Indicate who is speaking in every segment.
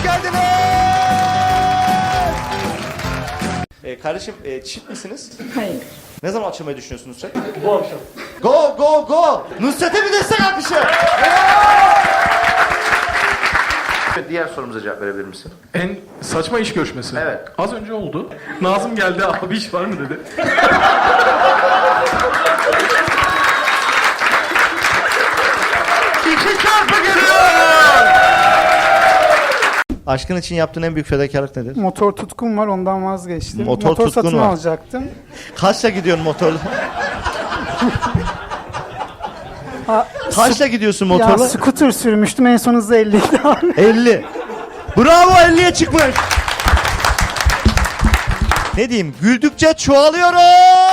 Speaker 1: hoş geldiniz. Kardeşim çift misiniz?
Speaker 2: Hayır.
Speaker 1: Ne zaman açılmayı düşünüyorsunuz Nusret?
Speaker 3: Bu akşam.
Speaker 1: Go go go! Nusret'e bir destek alkışı. Diğer sorumuza cevap verebilir misin?
Speaker 3: En saçma iş görüşmesi.
Speaker 1: Evet.
Speaker 3: Az önce oldu. Nazım geldi, abi iş var mı dedi.
Speaker 1: İki çarpı geliyor! Aşkın için yaptığın en büyük fedakarlık nedir?
Speaker 4: Motor tutkum var, ondan vazgeçtim.
Speaker 1: Motor tutkun
Speaker 4: satın
Speaker 1: var.
Speaker 4: alacaktım.
Speaker 1: Kaçla gidiyorsun motorla?
Speaker 4: Ha,
Speaker 1: Kaçla gidiyorsun
Speaker 4: ya
Speaker 1: motorla?
Speaker 4: scooter sürmüştüm, en son hızı 50 idi.
Speaker 1: 50. Bravo, 50'ye çıkmış. Ne diyeyim? Güldükçe çoğalıyoruz.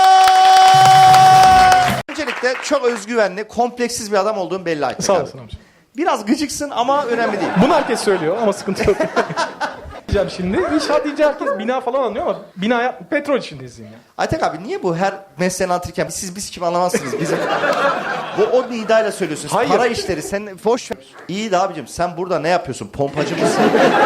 Speaker 1: Öncelikle çok özgüvenli, kompleksiz bir adam olduğun belli Aytek
Speaker 3: Sağ
Speaker 1: abi.
Speaker 3: olasın amca.
Speaker 1: Biraz gıcıksın ama önemli değil.
Speaker 3: Bunu herkes söylüyor ama sıkıntı yok. Diyeceğim şimdi. İnşaat deyince herkes bina falan anlıyor ama binaya petrol işindeyiz yani.
Speaker 1: Aytek abi niye bu her mesleğini anlatırken siz kim anlamazsınız bizim? o nidayla söylüyorsunuz.
Speaker 3: Hayır.
Speaker 1: Para işleri sen boş ver. İyi de abicim sen burada ne yapıyorsun? Pompacı mısın?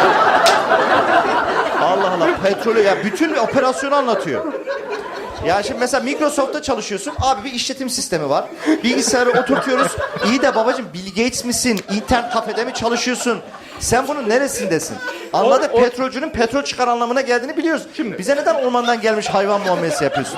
Speaker 1: Allah Allah, petrolü ya bütün bir operasyonu anlatıyor. Ya şimdi mesela Microsoft'ta çalışıyorsun. Abi bir işletim sistemi var. Bilgisayarı oturtuyoruz. İyi de babacığım Bill Gates misin? İnternet kafede mi çalışıyorsun? Sen bunun neresindesin? Anladık, petrolcünün petrol çıkar anlamına geldiğini biliyoruz.
Speaker 3: Şimdi.
Speaker 1: Bize neden ormandan gelmiş hayvan muamelesi yapıyorsun?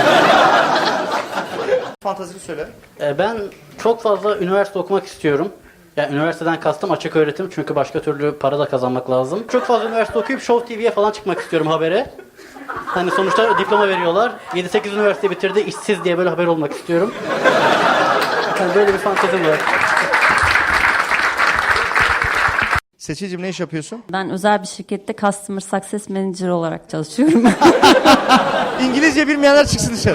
Speaker 1: Fantazini söyle.
Speaker 5: Ben çok fazla üniversite okumak istiyorum. Yani üniversiteden kastım açık öğretim, çünkü başka türlü para da kazanmak lazım. Çok fazla üniversite okuyup Show TV'ye falan çıkmak istiyorum, habere. Hani sonuçta diploma veriyorlar. 7-8 üniversite bitirdi, işsiz diye böyle haber olmak istiyorum. Yani böyle bir fantezim var.
Speaker 1: Seçicim ne iş yapıyorsun?
Speaker 2: Ben özel bir şirkette Customer Success Manager olarak çalışıyorum.
Speaker 1: İngilizce bilmeyenler çıksın dışarı.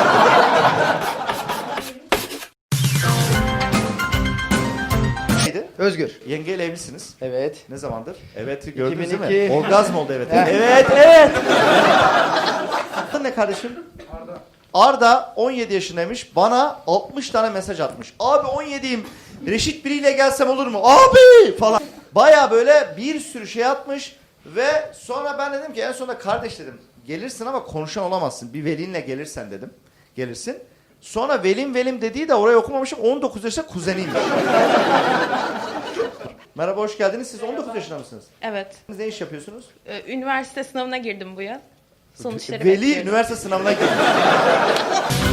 Speaker 1: Neydi?
Speaker 6: Özgür.
Speaker 1: Yengeyle evlisiniz.
Speaker 6: Evet.
Speaker 1: Ne zamandır? Evet gördünüz değil
Speaker 6: 2002.
Speaker 1: mi? Orgazm oldu evet. Evet. Adın ne kardeşim? Arda. Arda 17 yaşındaymış. Bana 60 tane mesaj atmış. Abi 17'yim. Reşit biriyle gelsem olur mu? Abi falan. Baya böyle bir sürü şey atmış. Ve sonra ben dedim ki en sonunda kardeş dedim. Gelirsin ama konuşan olamazsın. Bir velinle gelirsen dedim. Gelirsin. Sonra velim dediği de oraya okumamışım. 19 yaşında kuzeniymiş. Merhaba, hoş geldiniz. Siz 19 yaşında mısınız?
Speaker 7: Evet.
Speaker 1: Siz ne iş yapıyorsunuz?
Speaker 7: Üniversite sınavına girdim bu yıl. Sonuçları
Speaker 1: Veli
Speaker 7: bekliyorum.
Speaker 1: üniversite sınavına girdi.